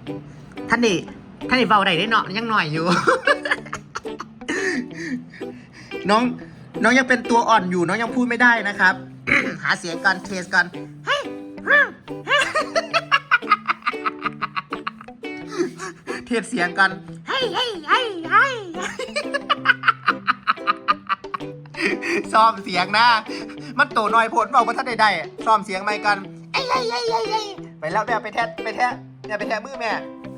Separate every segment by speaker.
Speaker 1: ท่านนี่เบาได้ได้เนาะยังหน่อยอยู่ น้องยังเป็นตัวอ่อนอยู่น้องยังพูดไม่ได้นะครับ หาเสียงก่อนเทสก่อนเทสเสียงก่อนซ้อมเสียงนะมันโตน้อยโพดบอกว่าท่านใดๆซ้อมเสียงใหม่กันไปแล้วแม่ไปแทะมือแม่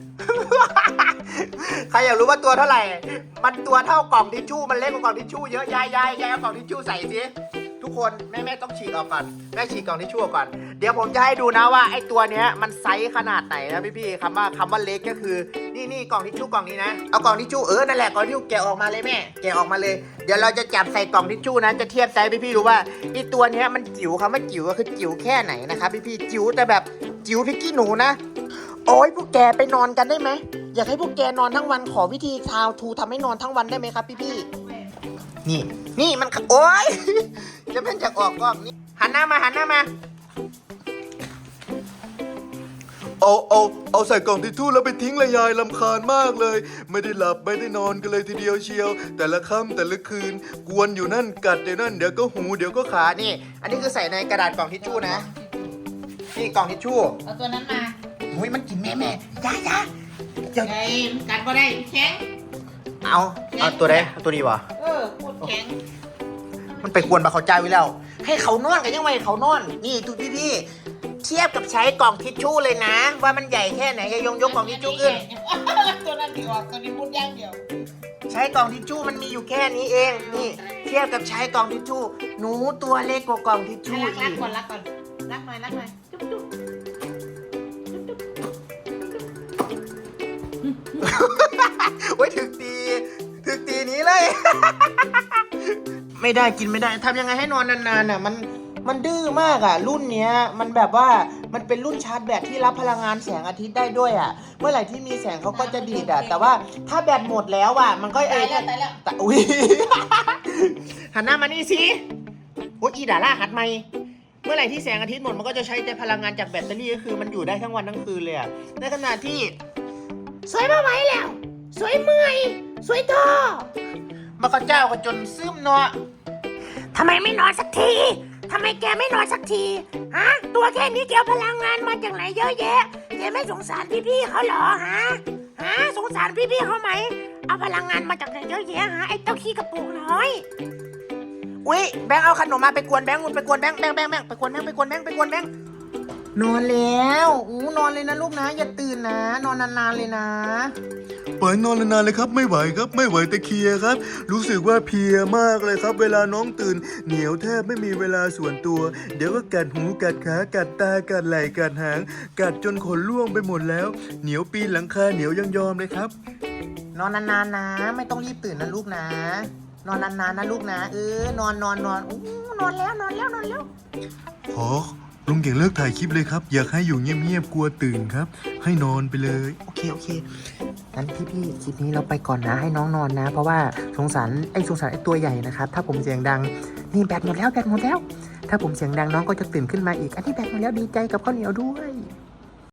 Speaker 1: ใครอยากรู้ว่าตัวเท่าไหร่มันตัวเท่ากล่องทิชชู่มันเล็กกว่ากล่องทิชชู่เยอะยายเอากล่องทิชชู่ใส่สิทุกคนแม่ต้องฉีกออกก่อนแม่ฉีกกล่องทิชชู่ก่อนเดี๋ยวผมจะให้ดูนะว่าไอ้ตัวเนี้ยมันไซส์ขนาดไหนนะพี่คำว่าเล็กก็คือนี่กล่องทิชชู่กล่องนี้นะเอากล่องทิชชู่นั่นแหละกล่องทิชชู่แกะออกมาเลยแม่แกะออกมาเลยเดี๋ยวเราจะจับใส่กล่องทิชชู่นะจะเทียบไซส์พี่รู้ว่าไอ้ตัวเนี้ยมันจิ๋วคำว่าจิ๋วก็คือจิ๋วแค่ไหนนะครับพี่จิ๋วแต่แบบจิ๋วพริกขี้หนูนะโอ้ยพวกแกไปนอนกันได้ไหมอยากให้พวกแกนอนทั้งวันขอวิธีทาวทูทำให้นอนทั้งวันได้ไหมครับพี่นี่มันโอ๊ยจะเป็นจากออกกล้องนี่หันหน้ามา
Speaker 2: เอาใส่กล่องทิชชู่แล้วไปทิ้งเลยยายรำคาญมากเลยไม่ได้หลับไม่ได้นอนกันเลยทีเดียวเชียว แต่ละค่ำแต่ละคืนกวนอยู่นั่นกัดเดี๋ยวนั่นเดี๋ยวก็หูเดี๋ยวก็ขา
Speaker 1: นี่อันนี้คือใส่ในกระดาษกล่องทิชชู่นะนี่กล่องทิชชู่
Speaker 3: เอาตัวนั้นมา
Speaker 1: โอ้ยมันกินแม่จ้า
Speaker 3: ไอ้กัดก็ได้แข็ง
Speaker 1: เอาตัวไหนเอาตัวนี้วะ
Speaker 3: พูดแข็ง
Speaker 1: มันไปกวนบาเขาใจไว้แล้วให้เขานอนกันยังไงเขานอนนี่ทุกพี่เทียบกับใช้กล่องทิชชู่เลยนะว่ามันใหญ่แค่ไหนยกกล่องทิชชู่ขึ้น
Speaker 3: ตัวนั้นดีออกตัวนี้พูดย่างเดียว
Speaker 1: ใช้กล่องทิชชู่มันมีอยู่แค่นี้เองนี่เทียบกับใช้กล่องทิชชู่หนูตัวเล็กกว่ากล่องทิชชู่อีก
Speaker 3: รักก่อนรักหน่อยจุ๊บ
Speaker 1: โอ้ยถึกตีนี้เลย ไม่ได้กินไม่ได้ทำยังไงให้นอนนานๆน่ะมันดื้อมากอ่ะรุ่นเนี้ยมันแบบว่ามันเป็นรุ่นชาร์จแบตที่รับพลังงานแสงอาทิตย์ได้ด้วยอ่ะเมื่อไหร่ที่มีแสงเขาก็จะดีดอ่ะแต่ว่าถ้าแบตหมดแล้วอ่ะมันก็
Speaker 3: ตายแล้ว
Speaker 1: แต่อุ้ย หันหน้ามานี่สิโอ้ยอีด่าล่าหัดไหมเมื่อไหร่ที่แสงอาทิตย์หมดมันก็จะใช้แต่พลังงานจากแบตเตอรี่ก็คือมันอยู่ได้ทั้งวันทั้งคืนเลยอ่ะในขณะที่สวยมาไหวแล้วสวยเมื่อยสวยท้อมาก็เจ้าก็จนซึมเนาะทำไมไม่นอนสักทีทำไมแกไม่นอนสักทีฮะตัวแค่นี้แกพลังงานมาจากไหนเยอะแยะแกไม่สงสารพี่เขาเหรอฮะสงสารพี่เขาไหมเอาพลังงานมาจากไหนเยอะแยะฮะไอ้เต้าขี้กระปุกน้อยอุ้ยแบงค์เอาขนมมาไปกวนแบงค์ไปกวนแบงค์ไปกวนแบงค์นอนแล้วนอนเลยนะลูกนะอย่าตื่นนะนอนนานๆเลยนะ
Speaker 2: ปล่อยนอนนานๆเลยครับไม่ไหวครับไม่ไหวตะเคียครับรู้สึกว่าเพลียมากเลยครับเวลาน้องตื่นเหนียวแทบไม่มีเวลาส่วนตัวเดี๋ยวก็กัดหูกัดขากัดตากัดไหล่กัดหางกัดจนขนร่วงไปหมดแล้วเหนียวปีนหลังคาเหนียวยังยอมเลยครับ
Speaker 1: นอนนานๆนะไม่ต้องรีบตื่นนะลูกนะนอนนานๆนะลูกนะนอนนอนแล้ว
Speaker 2: ขอลุงเก่งเลิกถ่ายคลิปเลยครับอยากให้อยู่เงียบๆกลัวตื่นครับให้นอนไปเลย
Speaker 1: โอเคงั้นพี่คลิปนี้เราไปก่อนนะให้น้องนอนนะเพราะว่าสงสารไอ้ตัวใหญ่นะครับถ้าผมเสียงดังนี่แบตหมดแล้วถ้าผมเสียงดังน้องก็จะตื่นขึ้นมาอีกอันนี้แบตหมดแล้วดีใจกับข้าวเหนียวด้วย